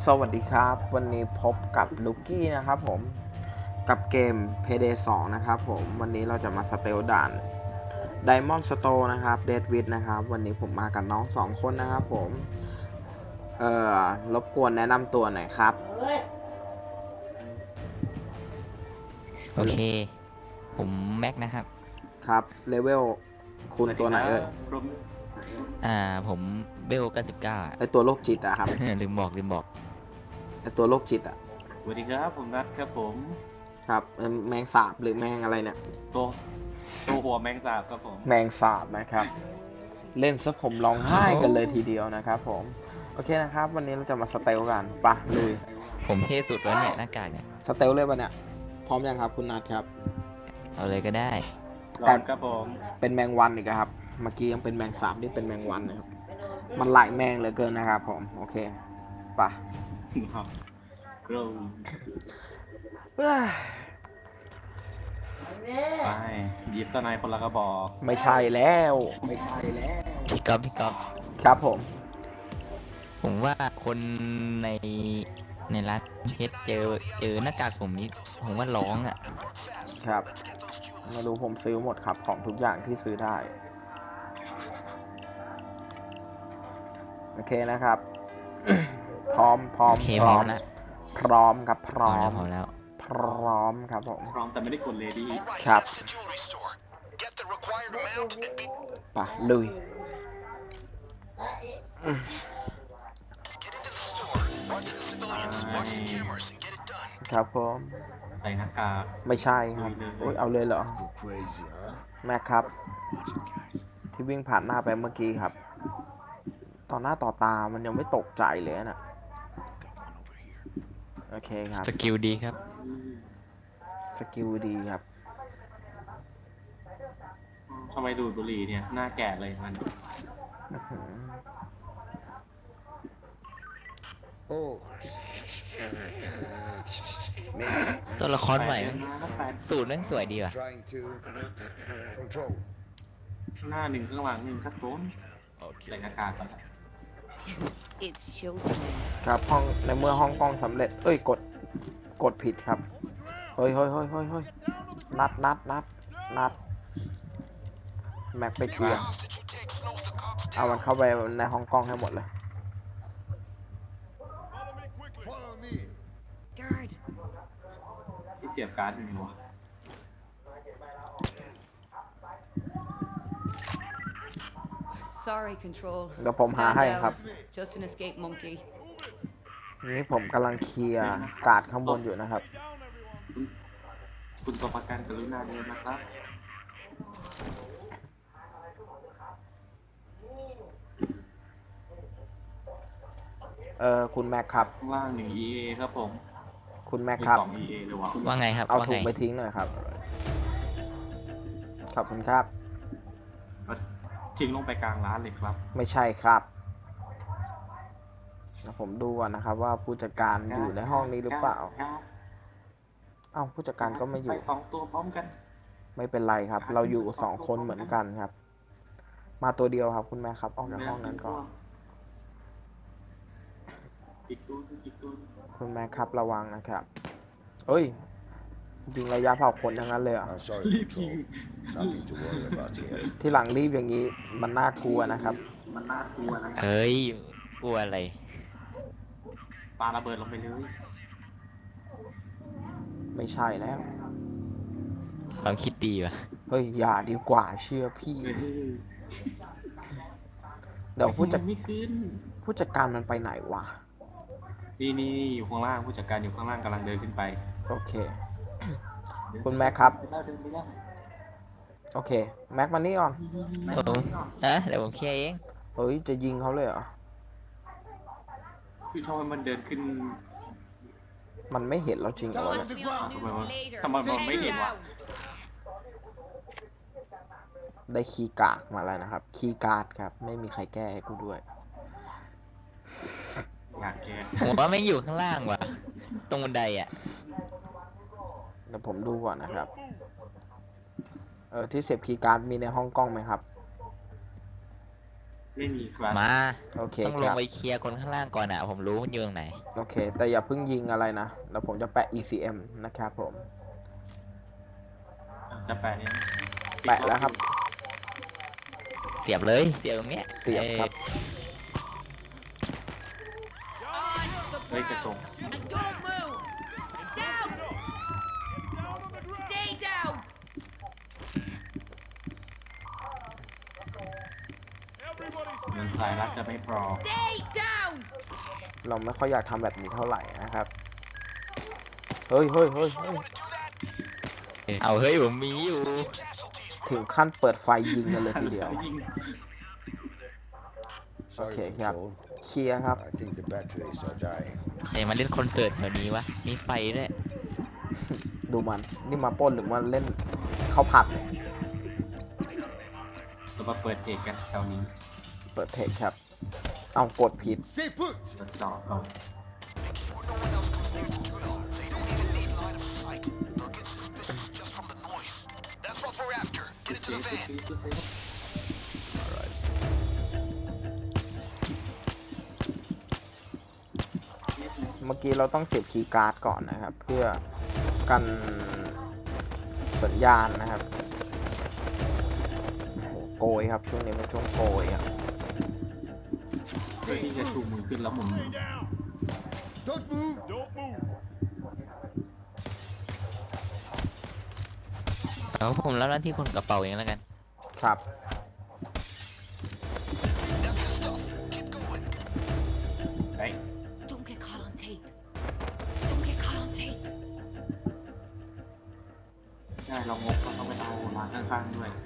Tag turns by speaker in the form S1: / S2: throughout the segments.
S1: สวัสดีครับวันนี้พบกับลูกี้นะครับผมกับเกม Payday 2 นะครับผมวันนี้เราจะมาสเตลด่าน Diamond Store นะครับ Deadwit นะครับวันนี้ผมมากับน้อง2คนนะครับผมรบกวนแนะนำตัวหน่อยครับ
S2: โอเคผมแม็กนะครับ
S1: ครับเลเวลคุณตัวไหน
S2: ผมเบล99
S1: ไอตัวโรคจิตอะครับ
S2: ลืมบอก
S1: ไอตัวโรคจิตอะ
S3: สวัสดีครับผมนัทครับผม
S1: ครับแมงสาบหรือแมงอะไรเนี่ย
S3: ตัวหัวแมงสาบครับผม
S1: แมงสาบนะครับเล่นซะผมร้องไห้กันเลยทีเดียวนะครับผมโอเคนะครับวันนี้เราจะมาสเตลกันปะลุย
S2: ผมเท่สุดแล้วเนี่ยหน้ากากเนี่ย
S1: สเตลเลยปะเนี่ยพร้อมยังครับคุณนัทครับ
S2: เอาเลยก็ได้
S3: ลองครับผม
S1: เป็นแมงวันอีกครับเมื่อกี้ยังเป็นแมงสาบนี่เป็นแมงวันนะครับมันหลายแมงเหลือเกินนะครับผมโอเคปะ
S3: กรูไปหยิบสไนคนละกระบอก
S1: ไม่ใช่แล้ว
S2: พี่ก๊อฟ
S1: ครับ
S2: ผมว่าคนในร้านเพชรเจอหน้ากากผมนี้ผมว่าร้องอ่ะ
S1: ครับไม่รู้ผมซื้อหมดครับของทุกอย่างที่ซื้อได้โอเคนะครับ พร้อม
S2: นะ
S1: พร้อมครับพร้อม
S2: แล้ว
S1: ครับผม
S3: พร้อมแต่ไม่ได้กดเลดี้
S1: ครับไปลุยครับผม
S3: ใส่หน้ากาก
S1: ไม่ใช่ครับโอ้ยเอาเลยเหรอแม็กครับที่วิ่งผ่านหน้าไปเมื่อกี้ครับต่อหน้าต่อตามันยังไม่ตกใจเลยนะโอเคครับ
S2: สกิลดีครับ
S3: ทำไมดูดบุหรี่เนี่ยหน้าแก่เลยมัน
S2: ตัวละครใหม่สูตรนั่งสวยดีว่ะ
S3: หน้าหนึ่งข้างหลังหนึ่งครับผมใส่หน้ากากก่อน
S1: ครับห้องในเมื่อห้องกล้องสำเร็จเอ้ยกดผิดครับเฮ้ยนัดแม็กไปเคลียร์เอามันเข้าไปในห้องกล้องให้หมดเลย
S3: ที่เสียบการ์ดอยู่วะ
S1: เดี๋ยวผมหาให้ครับนี่ผมกำลังเคลียร์การ์ดข้างบนอยู่นะครับ
S3: คุณตัวประกันกรุณาเดินนะครับ
S1: คุณแม็กครับ
S3: ว่าง1 EA ครับผม
S1: คุณแม็กครับ
S3: 2 EA เลยวะ
S2: ว่าไงครับ
S1: เอาถุงไปทิ้งหน่อยครับขอบคุณครับ
S3: ทิ้งลงไปกลางร้านเลยครับ
S1: ไม่ใช่ครับผมดูก่อนนะครับว่าผู้จัดการอยู่ในห้องนี้หรือเปล่าเอ้าผู้จัดการก็ไม่อยู่
S3: 2 ตัวพร้อมกัน
S1: ไม่เป็นไรครับเราอยู่2 คนเหมือนกันครับมาตัวเดียวครับคุณแม่ครับออกจากห้องนั้นก่อน
S3: อีกตัว
S1: คุณแม่ครับระวังนะครับเอ้ยยิงระยะเผาขนทั้งนั้นเลยอ่ะที่หลังรีบอย่างนี้มันน่ากลัวนะครับ
S2: เฮ้ยกลัวอะไร
S3: ปาระเบิดลงไปเลย
S1: ไม่ใช่แล้ว
S2: เราคิดดีว่ะ
S1: เฮ้ยอย่าดีกว่าเชื่อพี่เดี๋ยวผู้จัดการมันไปไหนวะ
S3: นี่อยู่ข้างล่างผู้จัดการอยู่ข้างล่างกำลังเดินขึ้นไป
S1: โอเคคุณแม็กครับโอเคแม็กมานี่ก่อน
S2: เดี๋ยวผมเคลียร์เอง
S1: เฮ้ยจะยิงเขาเลยเหรอ
S3: คือทำไมมันเดินขึ้น
S1: มันไม่เห็นเราจริงเหรอเนี่ย
S3: ทำไมมันไม่เห็นวะ
S1: ได้คีย์การ์ดมาแล้วนะครับคีย์การ์ดครับไม่มีใครแก้ให้กูด้วย
S3: อยากแก้
S2: ผมว่าไม่อยู่ข้างล่างว่ะตรงบันไดอ่ะ
S1: เดี๋ยวผมดูก่อนนะครับที่เสียบคีย์การ์ดมีในห้องกล้องไหมครับ
S3: ไม่มีคลาส
S2: มา
S1: โอเค
S2: ต้อง
S1: ค
S2: ลง
S1: รับ
S2: ไปเคลียร์คนข้างล่างก่อนอ่ะ ผมรู้มันอยู่ตรงไหน
S1: โอเค แต่อย่าเพิ่งยิงอะไรนะ แล้วผมจะแปะ ECM นะครับผม
S3: จะแปะเนี่ย
S1: แปะแล้วครับ
S2: เสียบเลยเสียบตรงเนี้ย
S1: เสียบครับ
S3: เฮ้ยกระจก
S4: And don't move! Down! Stay down!
S3: เงินสายรัดจะไม่พอ
S4: Stay down!
S1: เราไม่ค่อยอยากทำแบบนี้เท่าไหร่นะครับ เฮ้ยเฮ้ยเฮ้ยเฮ้ย
S2: เอาเฮ้ยผมมีอยู่
S1: ถึงขั้นเปิดไฟยิงกันเลยทีเดียว
S3: ยิง
S1: โอเค
S5: Sorry,
S1: ครับ
S5: Patrol.
S1: เคลียร์ครับ
S5: I think the batteries are dying.
S2: ใครมาเล่นคอนเสิร์ตแถวนี้วะ มีไฟด้วย
S1: ดูมัน นี่มาปล้นหรือมาเล่นเข้าผับเนี่ย
S3: เรามาเปิดเทคกันแถวนี้
S1: เปิดเทคครับ เอากดผิด
S5: Stay put!
S3: เปิดจอเขา
S1: เมื่อกี้เราต้องเสียบคีย์การ์ดก่อนนะครับ เพื่อกันสัญญาณนะครับโอ้โหโกยครับ ช่วงนี้เป็นช่วงโกยครับ
S3: เพื่อที่จะชูมือขึ้นแล้วหมุน
S5: Don't move! Don't move!
S2: เอาผมรับหน้าที่คนกระเป๋าเองแล้วกัน
S1: ครับ
S3: เฮ้ย
S4: Don't get caught on tape. Don't get caught on tape.
S3: ได้เรางกเราต้องไปเอาร้านข้างๆด้วย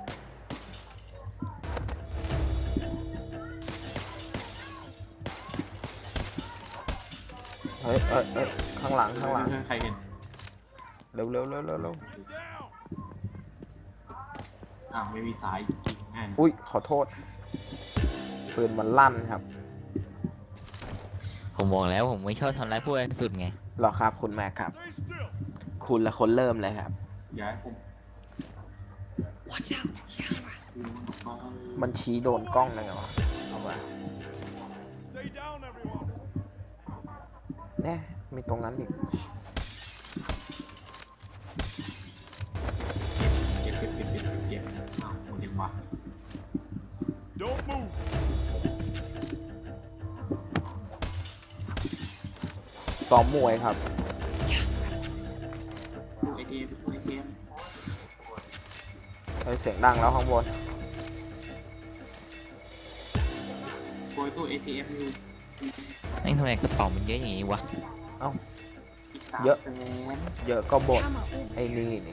S1: เฮ้ยเอ้ยเอ้ยข้างหลัง ข้างหลัง
S3: ใครเห็น
S1: เร็วเร็วเร็วเร็วเร็ว
S3: อ้าวไม่มีสายยิงง่ายนะ
S1: อุ้ย ขอโทษ ปืนมันลั่นครับ
S2: ผมบอกแล้วผมไม่ชอบทำร้ายผู้บริสุทธิ์ไง
S1: หรอครับ คุณแม็กครับ คุณละคนเริ่มเลยครับ
S3: อย่าให้ผม
S4: Watch out! Camera.
S3: ดูมัน
S1: มันชี้โดนกล้องเลยเหรอวะเอาไปแน่มีตรงนั้นอีก
S3: เก็บอ้าวหมดยังวะ
S6: Don't move.
S1: ซ้อมมวยครับ
S3: ตู้ ATM ตู้ ATM
S1: เฮ้ยเสียงดังแล้วข้างบน
S3: โกยตู้ ATM อยู่
S2: นี่ทำไมกระเป๋ามันเยอะอย่างงี้วะ
S1: เอ้า
S3: อีก3
S1: เยอะ
S3: แสน
S1: เยอะก็บ่น
S4: Camera over.
S1: ไอ้นี่นี่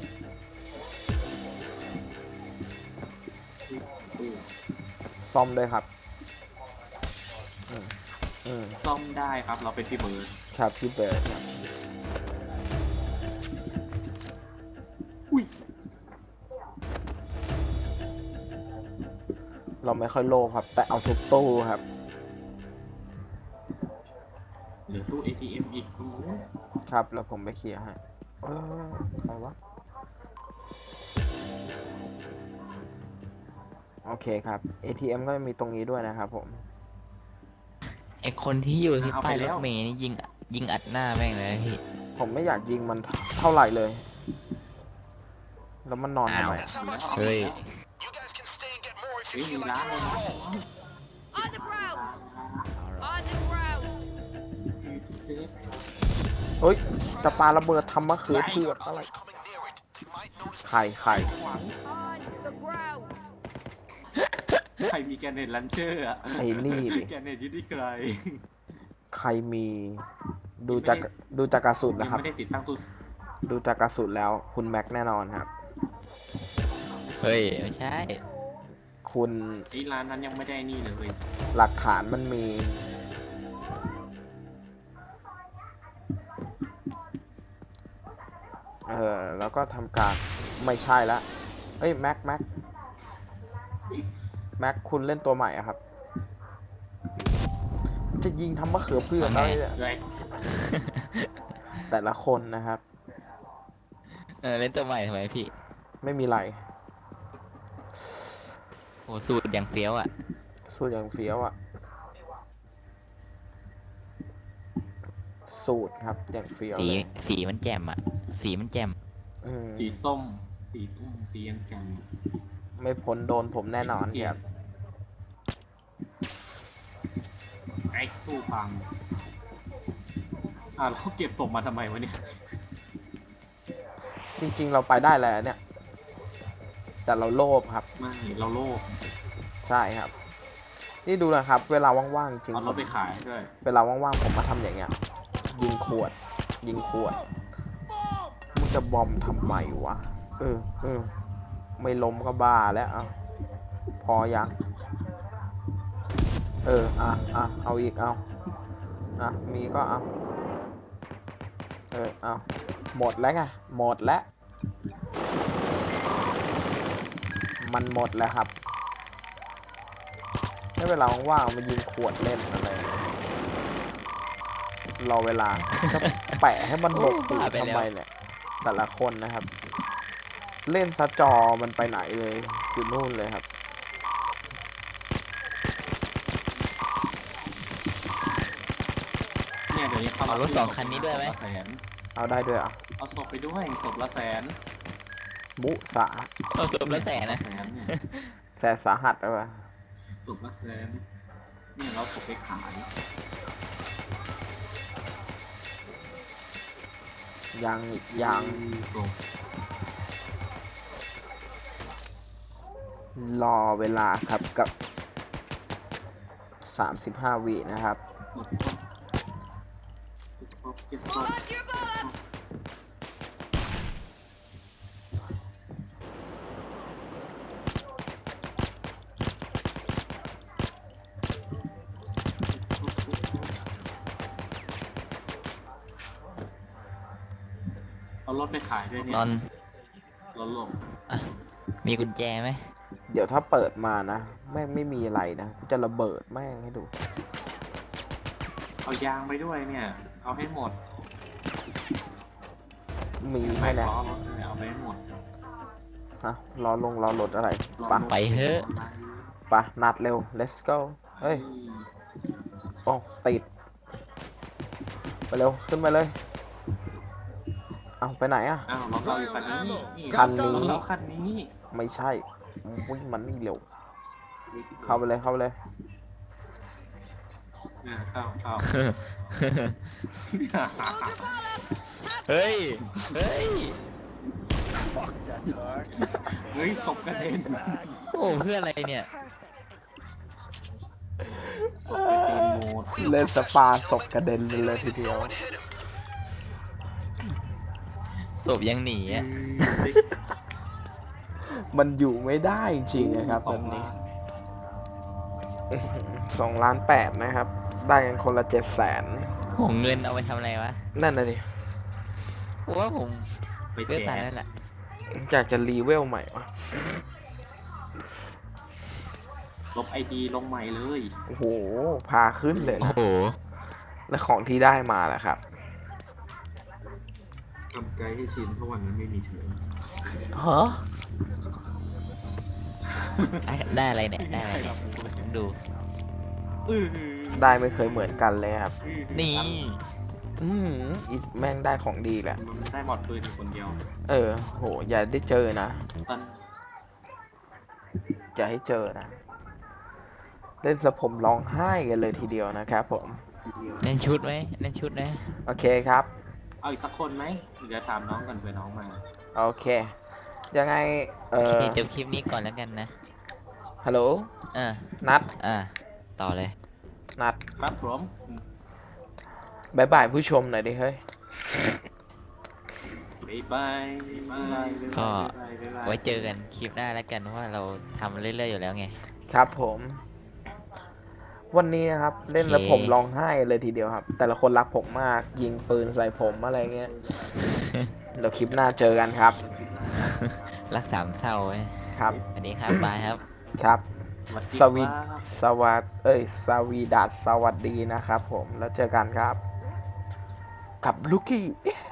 S3: ตู้
S1: ซ่อมด้วยครับ อืมอืม
S3: ซ่อมได้ครับเราเป็นพี่เบิร์ด
S1: ครับพี่เบิร์ดครับ
S3: อุ้ย
S1: เราไม่ค่อยโลภครับ แต่เอาทุกตู้ครับ
S3: เหลือตู้ ATM อีกโอ้โห
S1: ครับแล้วผมไปเคลียร์ให้เออใครวะ โอเคครับ ATM ก็มีตรงนี้ด้วยนะครับผม
S2: ไอคนที่อยู่ที่ป้ายรถเมล์นี่ยิงอัดหน้าแม่งเลยนะพี่
S1: ผมไม่อยากยิงมันเท่าไหร่เลย แล้วมันนอนทำไมอะ
S2: เฮ้ย
S3: เฮ้ยมีร้านเลยนะ
S4: On the ground! On the ground!
S3: เซฟ
S1: เฮ้ยจะปาระเบิดทำมะเขือเผือกอะไร ไข่
S4: On the ground!
S3: ใครมีแกนเน็ตลันเชอร์อะ
S1: ไอ้นี่ดิ
S3: แกนเน็ตอยู่ที่ใคร
S1: ใครมีดูจากกระสุน
S3: ยั
S1: นะ
S3: ง
S1: ครับ
S3: ไม่ได้ติดตั้งตู้
S1: ดูจากกระสุนแล้วคุณแม็กแน่นอนครับ
S2: เฮ้ย ไม่ใช่
S1: คุณ
S3: ไอ้ร้านนั้นยังไม่ได้นี่เลย
S1: หลักฐานมันมี แล้วก็ทำการไม่ใช่ละเอ้ยแม็กคุณเล่นตัวใหม่อะครับ จะยิงทำมะเขือเผือกอะไรเนี่ย
S3: เลย
S1: แต่ละคนนะครับ
S2: เล่นตัวใหม่ทำไมพี่
S1: ไม่มีไร
S2: โหสูตรอย่างเฟี้ยวอ่ะ
S1: สูตรอย่างเฟี้ยวอะสูตรครับอย่างเฟี้ยว
S2: สี
S1: เลย
S2: สีมันแจ่มอ่ะ สีมันแจ่ม
S1: อืม
S3: สีส้ม สีตุ้มสียังแจ่ม
S1: ไม่พ้นโดนผมแน่นอนครับ
S3: ไอ้ตู้พังแล้วเขาเก็บศพมาทำไมวะเนี่ย
S1: จริงๆเราไปได้แล้วเนี่ย แต่เราโลภครับ
S3: ไม่เราโลภ
S1: ใช่ครับ นี่ดูนะครับ เวลาว่างๆจริง
S3: เอา
S1: ผ
S3: รถ
S1: ม
S3: ไปขายด้วย
S1: เวลาว่างๆผมมาทำอย่างเงี้ย ยิงขวด ยิงขวดมึงจะบอมทำไมวะไม่ล้มก็บ้าแล้วเอาพอยังเอาอีกเอามีก็เอาเอาหมดแล้วไงหมดแล้วมันหมดแล้วครับถ้าเวลาว่างๆมายิงขวดเล่นอะไรรอเวลาจะแปะให้มันหลบตูดทำไมเนี่ยแต่ละคนนะครับ เล่นซะจอมันไปไหนเลยอยู่นู่นเลยครับ
S3: เนี่ยเดี๋ยวนี้เขา
S2: เอารถสองคันนี้ด้วยไหม
S3: ศพละแสน
S1: เอาได้ด้วยอ่ะ
S3: เอาศพไปด้วยศพละแสน
S1: มุสา
S2: เอาจบแล้วแต่นะ
S3: แสนเนี่ย
S1: แสนสาหัสเลยวะ
S3: ศพละแสนเนี่ยเราศพไปขาย
S1: ยังอีกยัง
S3: ศพ
S1: รอเวลาครับกับ35 วินะครับ
S3: ศพเก็บศพ
S4: Hold your bullets!
S3: เอารถไปขายด้วยเนี่ย
S2: นอน
S3: รถหลบ
S2: อ่ะมีกุญแจไหม
S1: เดี๋ยวถ้าเปิดมานะแม่งไม่มีอะไรนะกูจะระเบิดแม่งให้ดู
S3: เอายางไปด้วยเนี่ย เอาให้หมด
S1: มีไหมเนี่ย
S3: ล้อรถเนี่ยเอาไปให้หมด
S1: ฮะรอรถอะไรปะ
S2: ไปเถอะ
S1: ปะนัดเร็ว let's go เฮ้ยโอ้ติดไปเร็วขึ้นไปเลยเอาไปไหนอ่ะ
S3: อ้าวเราเอาอยู่คันนี้นี่
S1: คันนี้
S3: เราคันนี้
S1: ไม่ใช่วิ่งมันนี่เร็วเข้าไปเลยเข้าไปเลย
S3: เนี่ยเข้า
S2: เฮ้ย เฮ้ย
S5: Fuck that hurts.
S3: เฮ้ยศพกระเด็น
S2: โอ้เพื่ออะไรเนี่ย
S3: ศพกระเด็นหมด
S1: เล่นสปาศพกระเด็นเลยทีเดียว
S2: ศพยังหนีอ่ะ
S1: มันอยู่ไม่ได้จริงๆนะครับแบบนี้ 2,800,000นะครับ ได้กันคนละ 700,000
S2: ผมเงินเอาไปทำอะไรวะ
S1: นั่นน่ะดิ
S2: ผมว่าผม
S3: ไป
S2: เลือก
S3: แจ
S2: ตัน
S3: ก
S2: นั่นแหละ
S1: อยากจะรีเวลใหม่วะ
S3: ลบไอดีลงใหม่เลย
S1: โอ้โห พาขึ้นเลย
S2: โอ้
S1: นะ
S2: โห
S1: และของที่ได้มาแหละครับ
S3: ทำใจให้ชินเพราะวันนั้นไม่มีเชิญ
S1: ฮะ
S2: ได้อะไรเนี่ย ได้อะไรเนี่ยผมดู
S1: ได้ไม่เคยเหมือนกันเลยครับ
S2: นี่
S1: อีแม่งได้ของดีแหละ
S3: มันได้หมดปืนอยู่คนเดียว
S1: โห อย่าได้เจอนะ
S3: สั้น
S1: อย่าให้เจอนะ เล่นสะผมร้องไห้กันเลยทีเดียวนะครับผม
S2: เล่นชุดไหมเล่นชุดไหม
S1: โอเคครับ
S3: เอาอีกสักคนไหมเดี๋ยวถามน้องกันเผื่อน้องมา
S1: โอเค ยังไง
S2: โอเคจบคลิปนี้ก่อนแล้วกันนะ
S1: ฮัลโหล
S2: อ่า
S1: นัด
S2: ต่อเลย
S1: นัด
S3: ครับผม
S1: บายบายผู้ชมหน่อยดิเฮ้ย
S3: บ๊ายบายบ๊ายบาย
S2: ก็
S3: บ๊ายบาย
S2: ไว้เจอกันคลิปหน้าแล้วกันเพราะว่าเราทำเรื่อยๆอยู่แล้วไง
S1: ครับผม วันนี้นะครับ เล่นแล้ว
S2: โอเค
S1: ผมร้องไห้เลยทีเดียวครับ แต่ละคนรักผมมาก ยิงปืนใส่ผมอะไรเงี้ย เดี๋ยวคลิปหน้าเจอกันครับ
S2: รักสามเศร้าไว้
S1: ครับ
S2: สวัสดีครับบายครับ
S1: ครับ
S3: สวัสดี
S1: สวี
S3: ครับ
S1: สวีดัสสวัสดีนะครับผม แล้วเจอกันครับ กับลูกี้